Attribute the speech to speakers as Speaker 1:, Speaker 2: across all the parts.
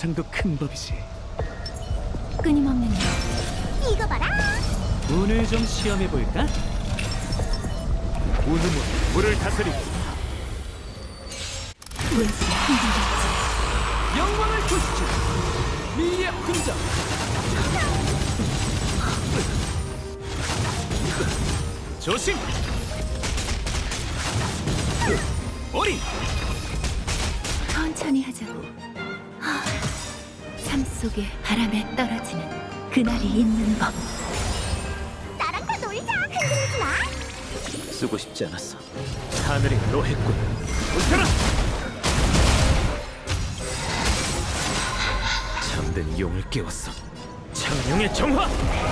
Speaker 1: 보상도 큰 법이지.
Speaker 2: 끊임없는 일.
Speaker 3: 이거 봐라.
Speaker 1: 운을 좀 시험해 볼까? 운음은 물을 다스리고
Speaker 2: 왠지 흔들렸지.
Speaker 1: 영광을 보시죠. 미의 흔적. 조심. 어린.
Speaker 2: 천천히 하자고. 삶 속에 바람에 떨어지는 그날이 있는 법.
Speaker 3: 나랑 다 놀자. 흔들리지 마.
Speaker 1: 쓰고 싶지 않았어. 하늘이 노했군. 웃겨라. 잠든 용을 깨웠어. 창룡의 정화.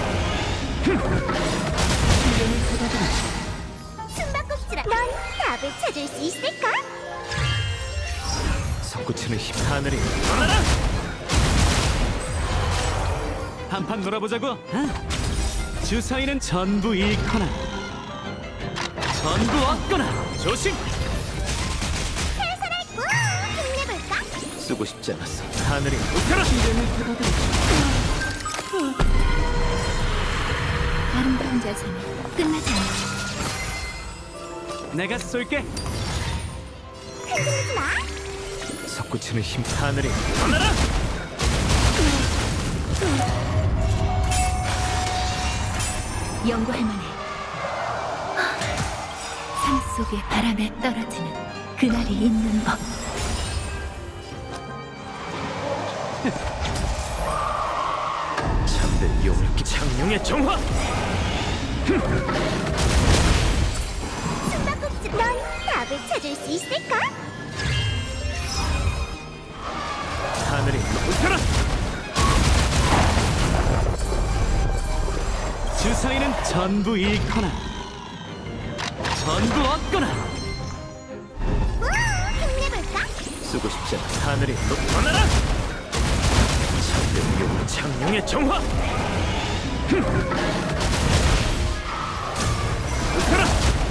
Speaker 3: 숨바꼭질아. 넌 답을 찾을 수 있을까?
Speaker 1: 솟구치는 힘. 하늘이 떠나라. 한판 놀아보자고. 주사위는 전부 잃거나 전부 얻거나. 조심.
Speaker 3: 살살할 꾹 힘내볼까?
Speaker 1: 쓰고 싶지 않았어. 하늘이 웃겨라.
Speaker 2: 아름다운 자세는 끝나지 않아.
Speaker 1: 내가 쏠게.
Speaker 3: 흔들리지 마.
Speaker 1: 솟구치는 힘. 하늘이 떠나라.
Speaker 2: 연구할 만해. 삶 속에 바람에 떨어지는 그날이 있는 법.
Speaker 1: 잠든 용을 깨. 창룡의 정화.
Speaker 3: 숨바꼭질. 넌 답을 찾을 수 있을까?
Speaker 1: 하늘이 웃겨라. 주사위는 전부 잃거나 전부 얻거나.
Speaker 3: 꾹 힘내볼까?
Speaker 1: 쓰고 싶지 않아. 하늘이 떠나라. 잠든 용은 창룡의 정화. 웃겨라.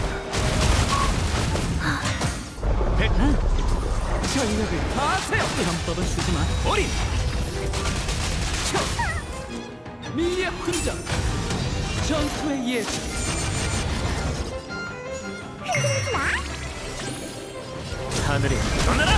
Speaker 1: 전력을 다하세요. 편법은 쓰지 마. 어린. 미의 흔적. 전투의 예술.
Speaker 3: 흔들리지 마.
Speaker 1: 하늘이 떠나라.